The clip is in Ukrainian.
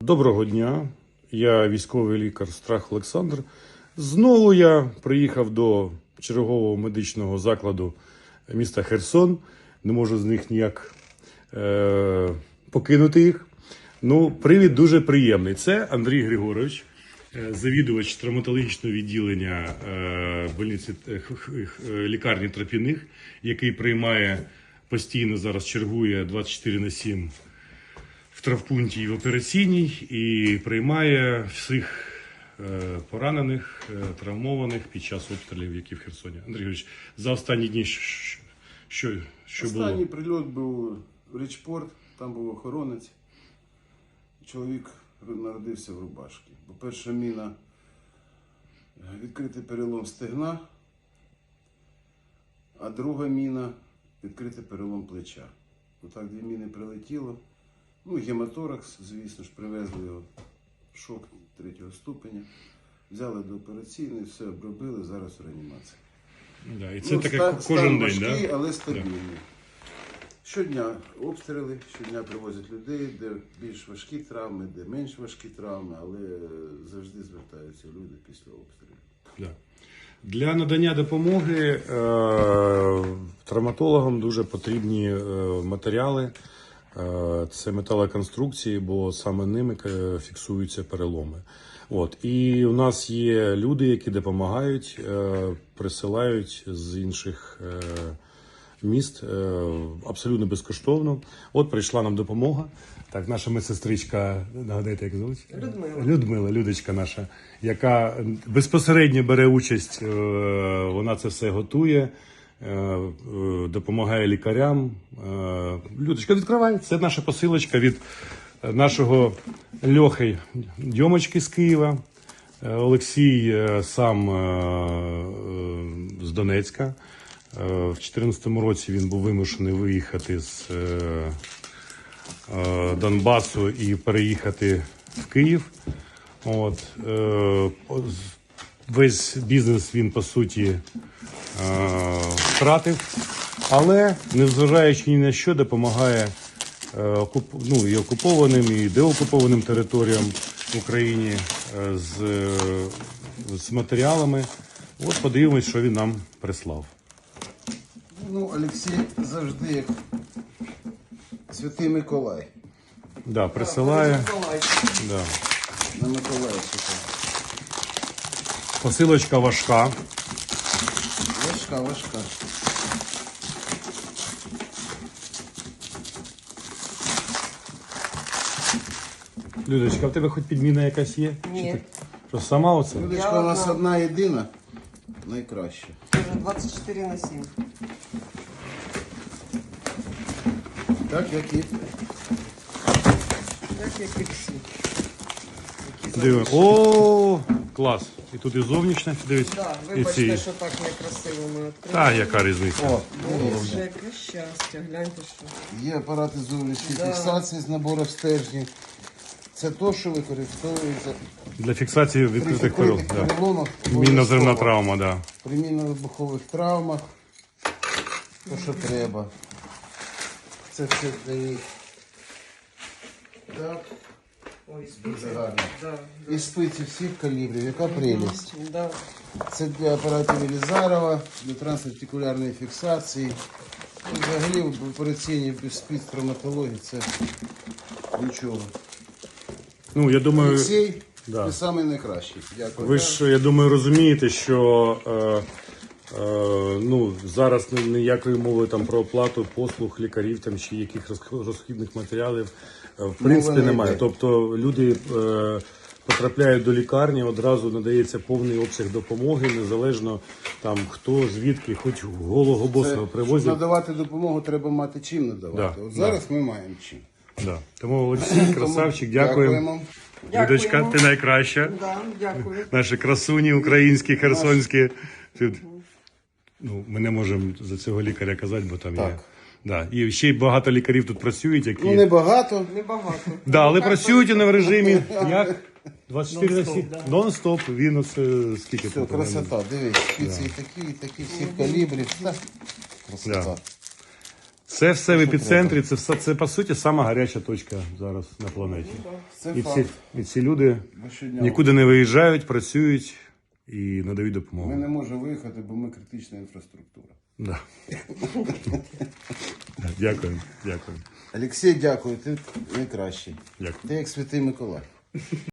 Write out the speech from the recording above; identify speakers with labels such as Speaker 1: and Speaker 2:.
Speaker 1: Доброго дня, я військовий лікар Страх Олександр. Знову я приїхав до чергового медичного закладу міста Херсон. Не можу з них ніяк покинути їх. Ну, привід дуже приємний. Це Андрій Григорович, завідувач травматологічного відділення лікарні Тропяних, який приймає постійно, зараз чергує 24/7 в травпункті і в операційній, і приймає всіх поранених, травмованих під час обстрілів, які в Херсоні. Андрій Григорович, за останні дні що було?
Speaker 2: Останній прильот був в Річпорт, там був охоронець. Чоловік народився в рубашці. По-перше, міна – відкритий перелом стегна, а друга міна – відкритий перелом плеча. Отак дві міни прилетіло. Ну, гематоракс, звісно ж, привезли його в шок 3-го ступеня. Взяли до операційної, все обробили, зараз в реанімації.
Speaker 1: Да, і це таке кожен день,
Speaker 2: важкий,
Speaker 1: да?
Speaker 2: але стабільний. Да. Щодня обстріли, щодня привозять людей, де більш важкі травми, де менш важкі травми, але завжди звертаються люди після обстрілів.
Speaker 1: Да. Для надання допомоги травматологам дуже потрібні матеріали. Це металоконструкції, бо саме ними фіксуються переломи. І у нас є люди, які допомагають, присилають з інших міст абсолютно безкоштовно. Прийшла нам допомога. Так, наша медсестричка, нагадайте, як звуть? Людмила, Людочка наша, яка безпосередньо бере участь, вона це все готує, допомагає лікарям. Людочка, відкривай. Це наша посилочка від нашого Льохи Дьомочки з Києва. Олексій сам з Донецька. В 2014 році він був вимушений виїхати з Донбасу і переїхати в Київ. Весь бізнес він, по суті, втратив, але, незважаючи ні на що, допомагає і окупованим, і деокупованим територіям в Україні з матеріалами. Подивимось, що він нам прислав.
Speaker 2: Олексій завжди як Святий Миколай.
Speaker 1: Да, присилає. Да.
Speaker 2: На Миколаївську.
Speaker 1: Посилочка важка.
Speaker 2: Важка.
Speaker 1: Людочка, а в тебе хоч підміна якась є?
Speaker 3: Ні.
Speaker 1: Що, сама оце?
Speaker 2: Людочка у нас одна єдина, найкраща.
Speaker 3: 24/7.
Speaker 2: Так, як і
Speaker 3: всі.
Speaker 1: Диви. О, клас. І тут і зовнішня, дивись.
Speaker 3: Да,
Speaker 1: і
Speaker 3: вибачте, що так некрасиво ми відкрили.
Speaker 1: Та, яка різниця?
Speaker 3: Боже, яке щастя, гляньте, що.
Speaker 2: Є апарати зовнішньої фіксації з набором стержнів. Це то, що використовується
Speaker 1: Для фіксації відкритих переломів.
Speaker 2: переломах.
Speaker 1: Мінно-зерна травма, да.
Speaker 2: При мінно-вибухових травмах. То, що треба. Це все дає. Так.
Speaker 3: Ой, спиці.
Speaker 2: Дуже гарно.
Speaker 3: Да.
Speaker 2: І спиці всіх калібрів. Яка прелість.
Speaker 3: Да.
Speaker 2: Це для апаратів Елізарова, для трансартикулярної фіксації. Взагалі в операційній спецтравматології це нічого.
Speaker 1: Я думаю,
Speaker 2: Олексій,
Speaker 1: да.
Speaker 2: ти самий найкращий. Дякую.
Speaker 1: Ви ж, я думаю, розумієте, що зараз ніякої мови там про оплату послуг лікарів там, чи яких розхідних матеріалів в принципі немає. Тобто люди потрапляють до лікарні, одразу надається повний обсяг допомоги, незалежно там хто, звідки, хоч голого босого привозять.
Speaker 2: Щоб надавати допомогу, треба мати чим надавати.
Speaker 1: Да,
Speaker 2: Зараз ми маємо чим.
Speaker 1: Да. Тому Олексій, красавчик, дякуємо. Людочка, ти найкраща.
Speaker 3: Да, дякую.
Speaker 1: Наші красуні українські, херсонські. Ми не можемо за цього лікаря казати, бо там є. Да. І ще й багато лікарів тут працюють, які...
Speaker 2: Небагато.
Speaker 3: Небагато.
Speaker 1: Да, але працюють вони в режимі, як? 24/7. Нон-стоп. Він скільки
Speaker 2: Все,
Speaker 1: тут?
Speaker 2: красота. Дивись, спиці і такі всіх калібрів. Красота.
Speaker 1: Це все в епіцентрі, це по суті сама гаряча точка зараз на планеті.
Speaker 2: Це
Speaker 1: І
Speaker 2: факт.
Speaker 1: ці люди
Speaker 2: Бо щодня
Speaker 1: нікуди не виїжджають, працюють і надають
Speaker 2: Ми
Speaker 1: допомогу.
Speaker 2: не можемо виїхати, бо ми критична інфраструктура.
Speaker 1: Да. Дякую, дякую.
Speaker 2: Олексій, дякую, ти найкращий.
Speaker 1: Дякую.
Speaker 2: Ти як святий Миколай.